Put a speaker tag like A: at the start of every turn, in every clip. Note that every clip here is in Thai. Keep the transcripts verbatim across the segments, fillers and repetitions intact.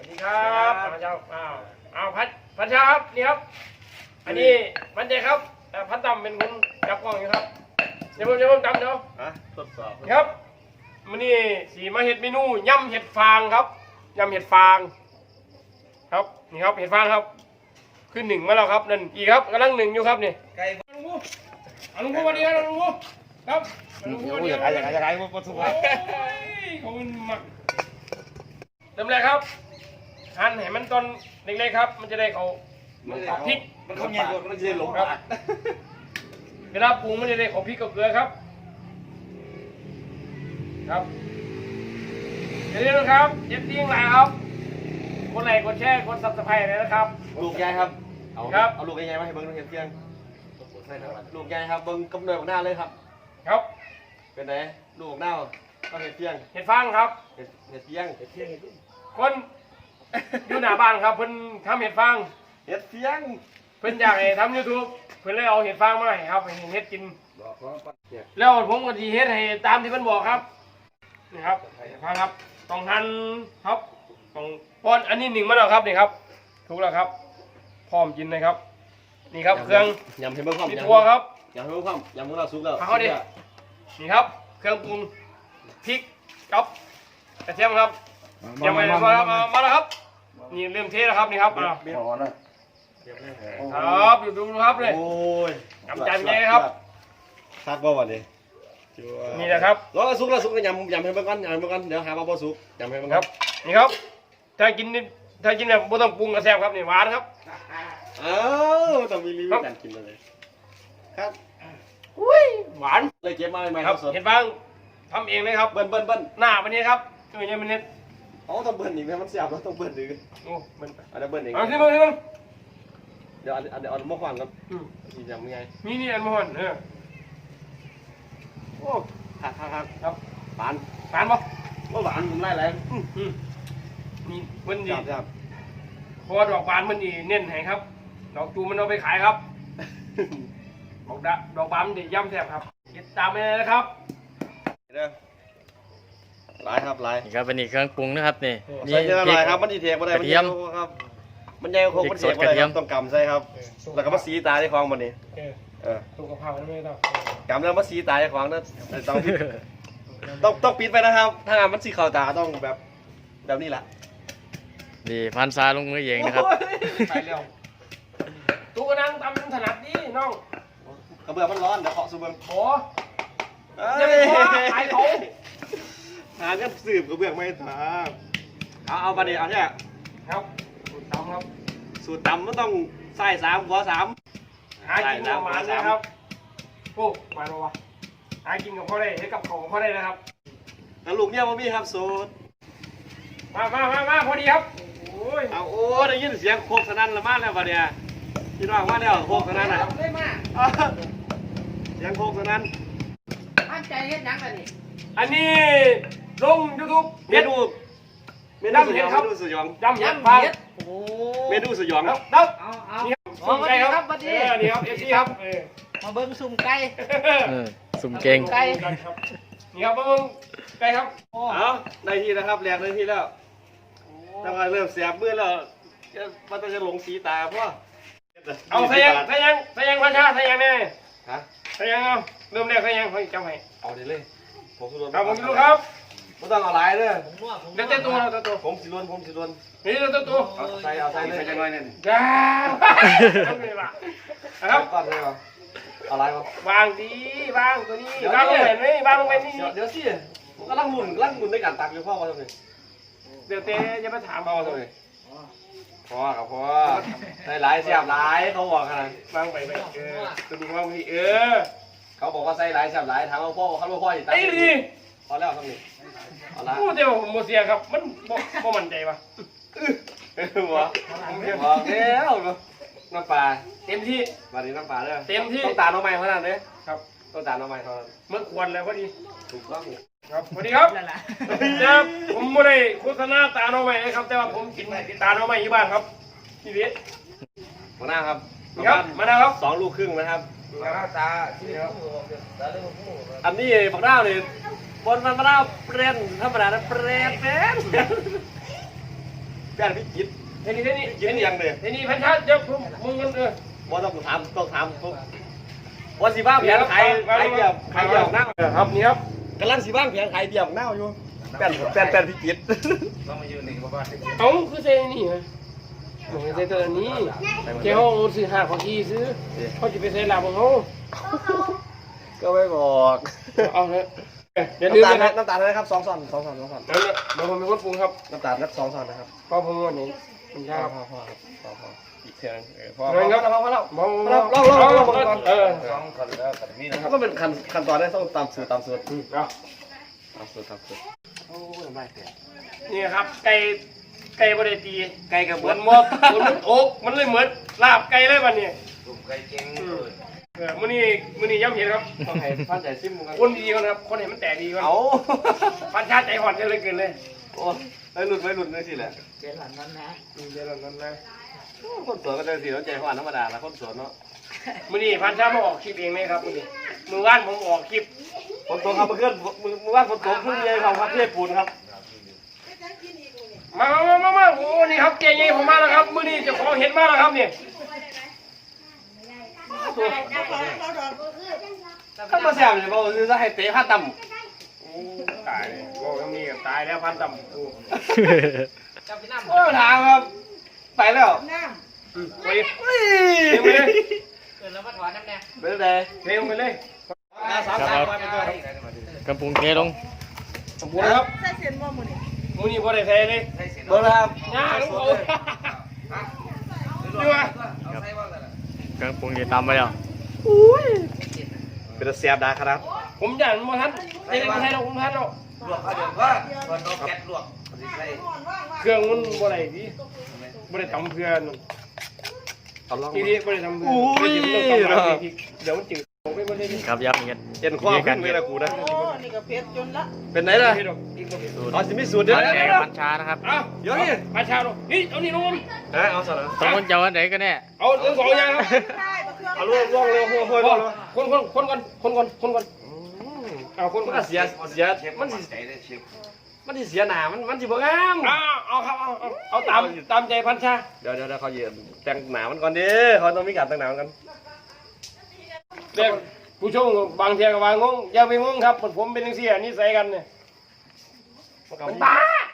A: ดีครับพระเจ้าอ้าวอ้าวพัดพัดเช้าครับนี่ครับอันนี้มันเจครับพัดดำเป็นคนจับกล้องอยู่ครับเดี๋ยวผมเดี๋ยวผมจำเดี๋ยว
B: ทดสอบ
A: ครับมันนี่สีมาเห็ดเมนูยำเห็ดฟางครับยำเห็ดฟางครับนี่ครับเห็ดฟางครับขึ้นหนึ่งมาแล้วครับนั่นอีกครับกำลังหนึ่งอยู่ครับนี่ไก่ลุงพูลุงพูวันนี้ครับลุงพูครับลุงพูวันนี้อยากอยากอยากมาประสบการณ์เขาเป็นหมักเริ่มแรกครับหั่นให้มันตอนเล็กๆครับมันจะได้เขาพริก
B: มันเขาใหญ่กว่ามันจะหลงครับ
A: เวลาปรุงมันจะได้เขาพริกกับเกลือครับครับอย่าลืมนะครับเย็บติ้งไลน์ครับกดไลค์กดแชร์กดซับสไครต์เลยนะครับ
B: ลูกใหญ่ครับเอา
A: ครับ
B: เอาลูกใหญ่มาให้เบิ้งเห็นเพียงลูกใหญ่ครับเบิ้งกำเนิดของหน้าเลยครับ
A: ครับ
B: เป็นไงลูกหน้าก็เห็ดเพียง
A: เห็ดฟางครับ
B: เห็ดเห็ดเพียงเห็ดเพียง
A: คนอยู่หน้าบ้านครับเพิ่นทำเห็ดฟาง
B: เห็ดเพียง
A: เพิ่นอยากให้ทำยูทูบเพิ่นเลยเอาเห็ดฟางมาให้ครับให้เห็ดกินแล้วผมก็ดีเห็ดให้ตามที่เพิ่นบอกครับนี่ครับเห็ดฟางครับต้องหั่นครับต้องป้อนอันนี้หนึ่งมาแล้วครับนี่ครับถูกแล้วครับพร้อมกินเลยครับนี่ครับเครื่อง
B: ยำให้เบิ้งความ
A: มีตัวครับ
B: ยำให้เบิ้งความยำของเราสุกแล้ว
A: เอาดินี่ครับเครื่องปรุงพริกกับกระเทียมครับเตรียมไว้แล้วครับมาแล้วครับนี่เริ่มเทแล้วครับนี่ครับครับอยู่ดูครับเลย
B: โอ้ย
A: น้ำจานใหญ่ครับ
B: ซักบ่วันนี้
A: นี่แหละครับ
B: รอสุกแล้วสุกแล้วยำยำให้เบิ้งกันยำให้เบิ้งกันเดี๋ยวหาว่าบ่สุกยำให้เบิ้ง
A: ครับนี่ครับถ้ากินถ้ากินแบบไม่ต้องปรุงกระแซบครับนี่หวานครับ
B: เอ้าต้องมีรีวิวการกินเลยครับ
A: อุ้ยหวาน
B: เลยเก็บมาใหม่ๆ
A: ครับเห็นบ้างทำเองเลยครับ
B: เบิ้ลเบิ้ลเบิ้ล
A: หน้าวันนี้ครับตัวนี้มันเน็ต
B: อ๋อต้องเบิ้ลอีกไหมมันเสียบแล้วต้องเบิ้ลดื้อ
A: โอ้เบิ้ล
B: อันนี้เบิ้ลเอง
A: เอาที่มึงที่มึง
B: เดี๋ยวเดี๋ยวเอาหม้อควันครับที่ทำยังไง
A: นี่นี่อันมอนเออ
B: โอ้หักหักหัก
A: ครับ
B: หวาน
A: หวานปะ
B: ว่าหวานผมไล่แรง
A: นี่มันดี
B: ครับ
A: พอดอกบานมันดีเน้นให้ครับดอกจูมันเอาไปขายครับดอกดดอกบานมันดีย่ำแซ่บครับติดตามไปเลยนะครับ
B: ลายครับลาย
C: นี่ครับเป็นอีกเครื่องปรุงนะครับนี่
B: นี่ลายครับมันดีเทกมาได้มันเยี่ยมครับมันใหญ่โค้งมันเสียมาได้ต้องกำใช่ครับแล้วก็มาสีตาที่คลองมันนี่
A: เออถูกกระเพราไม่ต้อง
B: กำแล้วมาสีตาที่คลองนั่นต้องต้องต้องปิดไปนะครับถ้างานมันสีขาวตาต้องแบบแบบนี้แหละ
C: ดีพันซาลงมือเองนะครับ
A: ไปเร็วตู้กระนังตำถนัดดีน้อง
B: กระเบื้องมันร้อนเดี๋ยวเคาะซูเบิ้ง
A: โอ้จะไปขอขายเขา
B: หาเนี่ยสืบกระเบื้องไม่ถามเอาเอาไปดิเอาเนี่ย
A: ครับสูตรตำครับ
B: สูตรตำมันต้องใส่สามขอสาม
A: หากินกับมันนะครับโอ้มาแล้ววะหากินกับพ่อได้ให้กับของพ่อได้นะครับ
B: แล้วลูกเนี่ยมันมีครับสูตร
A: มามามามาพอดีครับโอ้ย
B: เอาโอ้ได้ยินเสียงโคกสนั่นละมาแล้วปะเนี่ยพี่น้องมาแล้วโคกสนั่นอ่ะเสียงโคกสนั่น
D: อันใจเฮ็ดยังกันนี่
A: อันนี้ลงยูทูบ
B: เมนูเมนูสยองเมนูสยอง
A: ยำเห็ดฟาง
B: เมนูสยอง
A: ครับเอาเอาสุ่มไก่ครับนี่ครับเอฟซีครับ
D: มาเบิ้งสุ่มไก่
C: สุ่มเก่ง
D: ไก่
A: นี่ครับมาเบิ้งไก่ครับ
B: เอาในที่นะครับแหลกในที่แล้วตั้งแต่เริ่มเสียบมือแล้วมันจะหลงสีตาเพราะ
A: เอาใส่ยังใส่ยังใส่ยังพันชาใส่ยังเนี่ยฮะใส่ยังเอาเริ่มแรกใส่ยังให้จำให้
B: เอาดิเลยผมสิลวน
A: ครับผมสิลวนครับ
B: ไม่ต้องเอาลายเลย
A: เดี๋ยวเต้ตัวเต้ตัว
B: ผมสิลวนผมสิลวน
A: นี่เต้ตัว
B: เอาใส่เอาใส่ใส่จังหน่อยเนี่ย
A: จ้าทำไงล่ะครับ
B: ก้อนเลยเหรอเอาลายวะ
A: วางดีวางตัวนี้วางลงไปนี่วางลงไปนี่
B: เดี๋ยวสิก็ลั่งหมุนลั่งหมุนในการตักอยู่พ่อว่าทำไม
A: เดี๋ยวเต้จะมาถาม
B: พ่อทำไมพ่อกับพ่อได้หลายเสียบหลายเขาบอกขนาด
A: วางไปไปเออตัวนี้วางไปเออ
B: เขาบอกว่าใส่หลายเสียบหลายถามว่าพ่อเขาบอกพ่ออยู่ตัก
A: ดี
B: พอแล้วทำไมเอาละ
A: พูดเดี๋ยวโมเสียครับมันโมมั่นใจปะ
B: หัวบอกแล้วน้ำปลา
A: เต็มที่
B: มาดีน้ำปลาเลย
A: เต็มที่
B: ต้องตาน้องใหม่เท่านั้นเลย
A: ครับ
B: ต้องตาน้องใหม่เท่านั้น
A: เมื่อควรแล้วพอดี
B: ถูกต้อง
A: ครับพอดีครับนะครับผมไม่ได้โฆษณาตาน้องใหม่นะครับแต่ว่าผมกินตาน้องใหม่อยู่บ้านครับพี่เวส
B: มาหน้าครับ
A: ครับมาหน้าครับ
B: สองลูกครึ่งนะครับ
A: ตาที่ครับ
B: อันนี้บักดาวเนี่ยบนมันมะนาวเปรี้ยนธรรมดานะเปรี้ยนเปรี้ยนแป้นพี่จิต
A: เท่นี้เท่นี้
B: กินยังเลย
A: เท่นี้พันชาเดี๋ยวผมมึงกันเออ
B: บ่ต้องถามต้องถามวันสิบ้าแผนขายขายเบียร์ขายเบียร์หน้า
A: ครับนี่ครับ
B: กำลังสิบ้าแผนขายเบียร์หน้าอยู่แป้นแป้นแป้นพี่จิต
A: เอ้าคือเซนี่ฮะโอ้ยเซตัวนี้เจ้าซื้อห้าของอีซื้อเขาจะไปเซลาของเขา
B: ก็ไม่บอก
A: เอาเถอะเดี๋ยวลืม
B: น้ำตาล
A: นะ
B: น้ำตาลนะครับสองซอนสองซอนสองซอน
A: เดี๋ยวเดี๋ยวผมเป็นคนปรุงครับ
B: น้ำตาลนักสองซอนนะครับ
A: พอผมวันนี้มันยาก
B: พอพอครับพอพออีกเท่านั้นพอ
A: เงินครับ
B: พอพอแล้ว
A: มอง
B: ลองลองลองลองก่อน
A: เออ
B: ก็เป็นขั้นขั้นตอนได้ต้องตามสูตรตามสูตร
A: เอา
B: ตามสูตรตามสูตร
A: นี่ครับไก่ไก่บริตี
B: ไก่กับ
A: เห
B: เห
A: มื
B: มื
A: อ
B: อน น
A: มดเหมือนมันโอกมันเลยเหมือนลาบไก่เลยวันนี้เออมื้อนี้มื้อนี้ย่ำเห็นครับ
B: ต้องให้พันใจซิมกัน
A: คนดีก่อนครับคนเห็นมันแตกดีก่อน
B: เอา
A: พันชาติใจหอนกันเลยเกินเลย
B: โอ้ไอ้หลุดไว้หลุดเลยสิแหละ
D: เจ๊หลันนั้นนะ
A: อืมเดี๋ยวนั้นนะ
B: คนสวนก็ได้สิแล้วใจหวานธรรมดาละคนสวนเนาะ
A: มื้อนี้พันชาติมาออกคลิปเองเลยครับมื้อนี้มื้อว่านผมออกคลิป
B: ฝนตกครับเมื่อคืนมือมือว่านฝนตกขึ้นเลยครับพัดเทพปูนครับ
A: มามามามาโอ้นี่ครับเก่งๆผมมาแล้วครับมื้อนี้เจะของเห็นมาแล้วครับเนี่ย
B: ถ้ามาแซมเนี่ยบอกคือจะให้เตะผ้าต่ำ
A: โอ้ตายเลยโอ้ยังมีตายแล้วพันต่ำโอ้
D: เจ้าพี่น้ำ
B: โอ้ถามครับไปแล้ว
A: อืมไป
B: เฮ้ย
A: เทไปเลย
D: เกินแล้วมาถอนน้ำแน่
B: ไปเลย
A: เทลงไปเลย
B: สามสามไปไปตัว
C: กำปุงเทลง
A: สมบูรณ์นะครับ
E: ใส่เส้นว่ามือนี่
A: มื้อนี้บ่ได้เทเลย
B: เบอร์ครับ
A: ง่ายลูกเอาดูว่าก
C: ำปุงเทตามไปแล้ว
B: เป็นเสียบดาครับ
A: ผมอยากมาทันเด็กมาทันเราผมทันเรา
D: ลวกเอาเดี๋ยวว่าตอนแก๊สลวกใส่
A: เครื่องมันบ่ได้ดีบ่ได้ทำเพื่อน
B: เอาลอง
A: ทีนี้บ่ได้ทำเพื่อนเดี๋ยวมันจืดผมไม่บ่ได้
C: นี่ครับยับเงี้ย
B: เอ็นข้อขึ้นเวลากูนะ
E: โอ้นี่ก็เพชรจนละ
B: เป็นไหนล่ะ
C: สูตร
B: อ๋อจะมีสูตรเด้
C: พั
B: อน
C: แก่กับพันชานะครับ
A: เอา
B: เดี๋ยวนี่
A: มาชาลงนี่เอานี่ลงมา
B: นะเอาสนะ
C: สองคนจะเอาอันไหนกันแน่
A: เอาทั้งสองอย่างครับ
E: ได้ปลาเครื่อง
B: เอาล่วงล่วงเร็วหัวหัว
A: คนคนคนก่อนคนก่อนคนก่อนเอาคน
B: มัน
A: ก่อ
B: ก็
A: น
B: เสียเสียมันสิมันสิเสียหนามันมันสิบ่งาม
A: เอาเอาครับเอาเอาเอาตามตามใจพันชา
B: เดี๋ยวเดี๋ยวเขาเยืนแต่งหนามันก่อนดิเขาต้องมีการแต่งหนากัน
A: เด็กผู้ชมบางเทียก็บางงงอย่าไปงงครับผมเป็นจังซี่นิสัยกันเนี่ยมันบ้า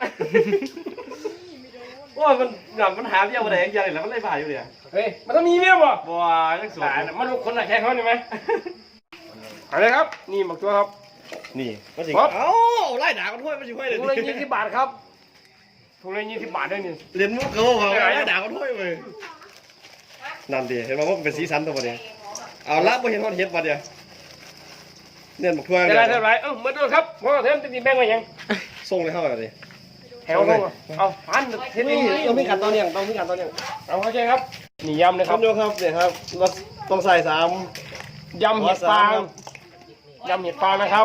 B: ว่ามันหนามันหาเบี้ยมาไหนยังเลยแล้วมันไล่บ่ายอยู่เลย
A: เฮ้ยมันต้องมีเมียบ่
B: บัวยังสวย
A: ตายนะมันลูกคนละแค่เขานี่ไหมเอาเลยครับ นี่หมักตัวครับ
B: นี่มันสิ
A: ครับ
B: เอ้าไล่ด่ากันถ้วยมันสิห้วยเลย
A: ถุงละยี่สิบบาทครับถุงละยี่สิบบาทด้วยนี่
B: เรียนมุกเขาบอกไล่ด่ากันถ้วยเลยนั่นดิเห็นไหมว่ามันเป็นสีสันตัวนี้เอาละไม่เห็นว่าเห็ดมาเดียวเนี่ยบักถ้วย
A: จะได้เท่าไหรเอ้าเมื่อตัวครับเพราะว่าเทมจะตีแบ่งไว้ยัง
B: ส่งเลยเข้าไปเลย
A: แถวลงเอาพันเทม
B: นี่
A: นี่
B: ต้องมีการตอนเนี้ยต้องมีการตอนเนี้ย
A: เอาเข้าใจครับนี่ยำนะค
B: ค
A: รั
B: รั
A: บบ
B: โยครับเนี่ยครับเราต้องใส่สาม
A: ยำเห็ดฟางยำเห็ดฟางนะครับ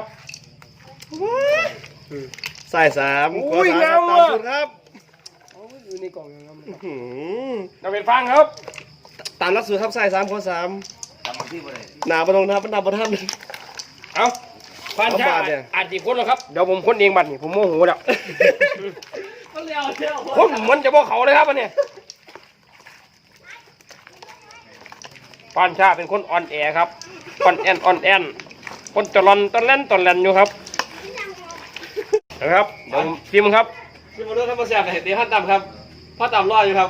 B: ใส่สาม
A: อุ้ย
B: ขอส
A: งาม
B: ตาม
A: ว่ะ
B: สูตรครับ
A: อยู่ในกล่องยัง
B: อื้อหือย
A: ำเห็ดฟางครับ
B: ตามหลักสูตรครับใส่สามขอสามหนาประตรงนะครับมันหนาประทัน
A: เอาพันชา
B: เอาบาทเนี่ย
A: อาจจะคนแล้วครับเดี๋ยวผมคนเองบัตรนี่ผมโมโหแล้ว
B: มันเลี้ยวเที่ยว
A: ผมเหมือนจะบอกเขาเลยครับอันเนี้ยปานชาเป็นคนอ่อนแอครับอ่อนแอนอ่อนแอนคนตะลอนตะเล่นตะเล่นอยู่ครับนะครับเดี๋ยวผมชิมครับ
B: ชิมมาด้วยครับมาแซ่บเห็ดดีพันตำครับพันตำรอดอยู่ครับ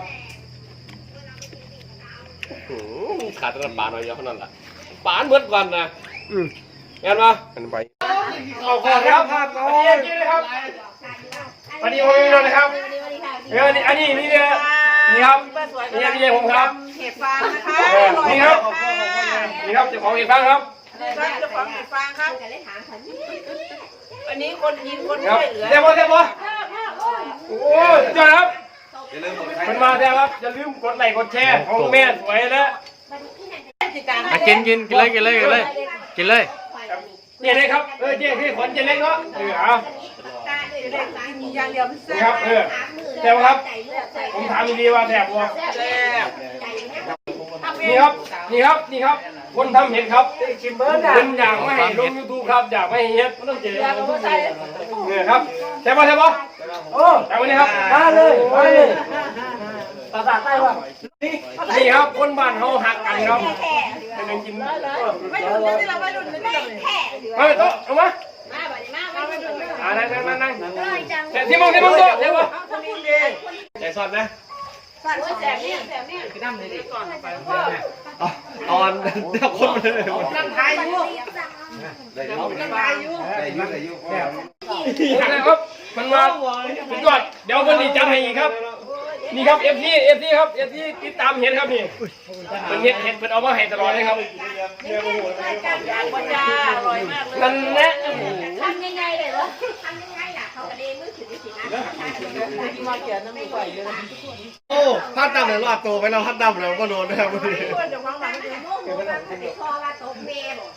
B: อื้อหือขาดแต่ปลาหน่อยเดียวเท่านั้นแหละปลาอันเบิดก่อนนะ
A: อืม
B: งั้นมา
A: อันไปเอาก่อนครับครับเอากินเลยครับสวัสดีผมพี่นนท์นะครับเออนี่อันนี้นี่เนี่ยนี่ครับนี่นี่นี่ผมครับ
E: เห็ดฟางนะคะ
A: เออนี่ครับนี่ครับเจ้าของเห็ดฟางครับ
E: เจ้าของเห็ดฟางครับอันนี้คนยินคน
A: ครับ
E: ช่วยเหลือ
A: เดี๋ยวพอเดี๋ยวพอโอ้ยเจ้าครับมันมาแล้วครับอย่าลืมกดไลค์กดแชร์ของแม่สวยแล้ว
C: มากินกินกินเลยกินเลยกินเลยกินเลย
A: เจ๊เล็กครับเออเจ๊ที่ขนเจ๊เล็กเนาะเออเอา
E: อย่างเดียวมันแซ่
A: นี่ครับเออแซ่บครับผมถามดีๆว่าแซ่บบ่
E: แซ่บ
A: นี่ครับนี่ครับนี่ครับคนทำเห็ดครับ
E: ชิมเบิร์ด
A: เป็นอยากไม่ให้ลงยูทูบครับอยากไม่ให้เฮ็ดต้องเจอเนี่ยครับแซ่บบ่แซ่บบ่โอ้แต่วันนี้ครับมาเลยมาเลยภาษาใต้ว่านี่ครับคนบ้านเขาหักกันครับเป็นยังกิน
E: ไม่ดุนเลยที่เราไม่ดุนเลยไม่แค่
A: มาไปโต๊ะเอามา
E: มาแบบนี้มาไม่ดุนเลย
A: อ่านั่งนั่งนั่งนั่งแต่ที่มึงที่มึงโต๊ะเดี๋ยววะใจสดนะ
E: สั่นแสบเนี่ยแสบเนี่ย
D: พี่น้ำเลยดิก่อนไป
B: เอาเอาอันเดับคนมาเลย
E: นั่งทายอยู่
D: ได้ยุ่
E: นั่งทายอยู่
D: ได้ยุ่ได้ยุ่
A: ครับมันมาสุดยอดเดี๋ยวคนนี้จัดให้อีกครับนี่ครับเอฟซีเอฟซีครับเอฟซีติดตามเห็นครับนี่เป็นเห็ดเห็ดเป็นเอามาให้ตลอดเลยครับ
E: บจ้าอร่อยมากเลย
A: นั่นแหละ
E: ทำยังไงเลยวะทำยังไงล่ะเขากระเด็นมือถือสินะมาเขียนน้ำมือไหวเลย
B: โอ้พัดดำเลยรอดตัวไปแล้วพัดดำเลยก็โดนนะครับวันนี้
E: จะฟังหลังจะโม่โม่แบบติดคอว่าตบเมย์บอก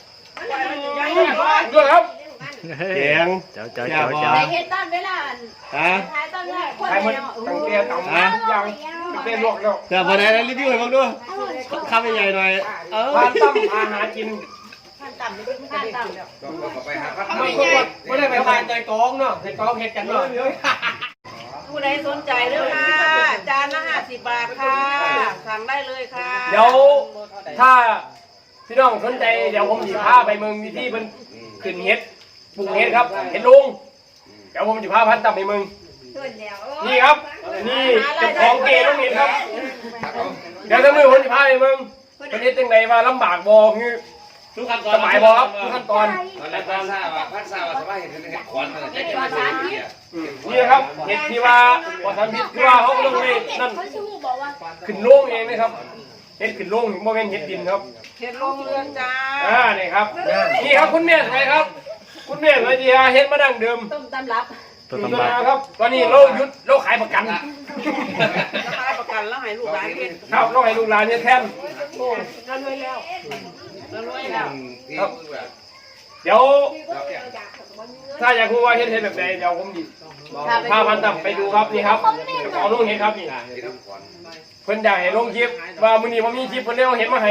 A: ด้วยครับ
B: เสียง
C: เจ้าเจ้าเจ้าเจ้า
E: ในเฮ็ดต้นเวลา
B: ฮะ
E: ท้ายต้นเวลาคน
A: ใครมัน
E: เนาะ
A: ตั้งเตี้ยต่ำยังตั้งเตี้ยลวกแล้ว
B: เดี๋ยวมาไหนนะรีวิวให้บ้างด้วยข้าวใหญ่ๆหน่อยเออ
A: ร้านตั้มอาหารกิน
E: ขั้นต่ำนี่คือขั้นต่ำ
D: ก็ไปหาพัก
A: ไม่ไม่ได้ไปทานใจกองเนาะใจกองเห็ดกันเนาะ
E: ผู้ใดสนใจเรื่องค่ะจานละห้าสิบบาทค่ะสั่งได้เลยค่ะ
A: เดี๋ยวถ้าพี่น้องสนใจเดี๋ยวผมจะพาไปเมืองวิธีเป็นขึ้นเห็ดปลูกเห็ดครับเห็ดลุงเดี๋ยวผมจะพาพันตั้มไปเมืองนี่ครับนี่เจ้าของเกต้องเห็นครับเดี๋ยวถ้ามือผมจะพาไปเมืองประเทศจังใดว่าลำบากบ่คือทุกขั้นตอนสบายบ่ครับทุกขั้นตอน
D: แล้วพันซาว่าพันซาว่าสบายเห็นเห็นขวัญมันจะกินอะไรเนี่ย
A: นี่ครับเห็ดที่ว่าปลอดสารพิษที่ว่าเขาลงไปนั่นขึ้นโล่งเองนะครับเห็ดขึ้นโล่งโมเมนเห็ดดินครับ
E: เห็ดลงเรือนจ้า
A: อ่านี่ครับนี่ครับคุณแม่สวยครับ คุณแม่สวยดีฮะเห็ดมาดั้งเดิม
E: ต้มตำรับ
C: ตัว
A: อยู่
C: ตำ
A: ตัว
C: บา
A: นะครับตอนนี้เราหยุดเราขายประกัน
E: ราคาประกันแล้วให้ลูกหลานกิน
A: ครับเราให้ลูกหลานเนี่ยแทน
E: เรารวยแล้วเรารวยแล้ว
A: ครับเดี๋ยวถ้าอยากรู้ว่าเห็ดเห็ดแบบไหนเดี๋ยวผมดิพาพันตับไปดูครับนี่ครับขอลุงเห็ดครับนี่เพิ่นอยากให้ลงคลิปว่ามื้อนี้ผมมีคลิปเพิ่นเลี้ยวเห็ดมาให้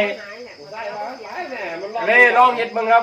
A: เลยลองเห็ดเบิ่งครับ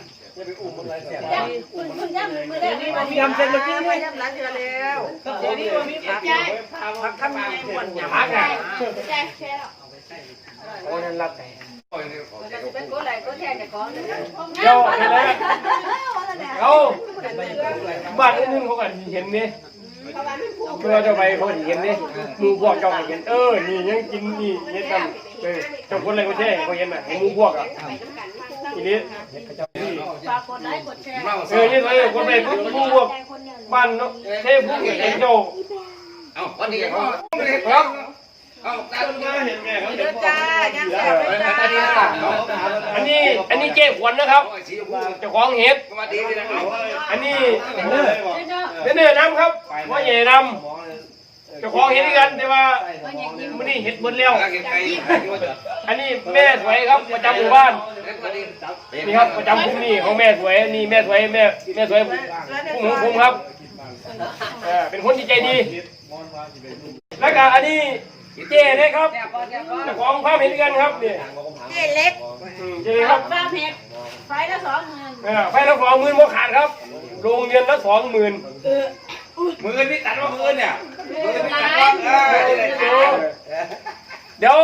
E: คุณคุณย่ำมือได้นี่มันมีทำเสร็จเมื่อกี้ด้วยย่ำร้านเดือแล้วเดี๋ยวนี้มันมีผักผักทำยังไงหมดอย่าง
A: พักอ่ะ
E: แช่แช่
A: โอ้นั่นรับแต่
E: เป็นก้นไหลก้นแช่จะก้อน
A: เดี๋ยวเห็นแล้วเอาบ้านนึงเขาก็เห็นนี่เมื่อจะไปเขาเห็นนี่หมูพวกเจ้าเห็นเออนี่ยังกินนี่เห็ดกันเออเจ้าคนอะไรก็แช่เขาเห็นน่ะหมูพวกอ่ะทีนี้
E: ฝากกดไลค์กดแชร์
A: เออนี่เลยคนไปหมูพวกบ้านเนาะเทพผู้เห็นเจ้า
D: เอาวันนี้เขา
A: ครับ
D: เอาตาดูเห็นแม่เขา
E: เดือจ้าย่างแซ่บเลยจ้า
A: อันนี้อันนี้เจ๊ขวัญนะครับเจ้าของเห็ด
D: มาดีเลยนะเอา
A: อันนี้เนื้อน้ำครับว่าใหญ่น้ำเจ้าของเห็ดด้วยกันแต่ว่ามันนี่เห็ดหมดแล้ว
D: เก็บไก่
A: อันนี้แม่สวยครับประจำหมู่บ้านนี่ครับประจำคุ้มนี่ของแม่สวยนี่แม่สวยแม่แม่สวยคุ้มของคุ้มครับเออเป็นคนที่ใจดีแล้วก็อันนี้เจ๊เล็กครับเจ้าของภาพเห็นกันครับนี่
E: เจ๊เล็ก
A: เจ๊ครับ
E: ฟ้าเผ็ดไฟละสองหมื่น
A: เออไฟละสองหมื่นโมขาดครับโรงเรียนละสองหมื่น
D: มือนี่ตัดว่ามือเนี่ยมือนี่ตัด
E: ร้า
D: ว่าน
A: เดี๋ยว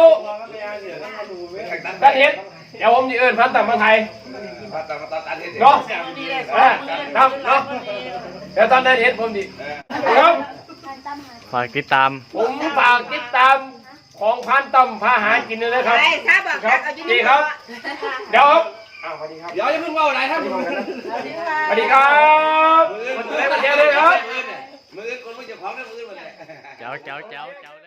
A: ท่านเห็ดเดี๋ยวผมจะเอิญพันธุ์ต่างประเทศไทย
D: ตัดตัดตัดตัด
A: เนาะเออครับเนาะเดี๋ยวตอนนั้นเห็ดผมดิครับ
C: ฝากติดตาม
A: ผมฝากติดตามของพันธุ์ต่ำพาหากินเลยนะครับ
E: ไปครับ
A: ครับ
E: เอาอยู่
A: ดี
E: นี่
A: ครับ เดี๋ยวครับอ้าวสวัสดีครับ
D: เดี๋ยวจะเพิ่งว่าอะไรท่าน
A: สวัสดีครับมาเจอเลยครับ
D: มือคนมือเจ้าของนั่นมือมัน
C: เจ้าเจ้าเจ้าเจ้า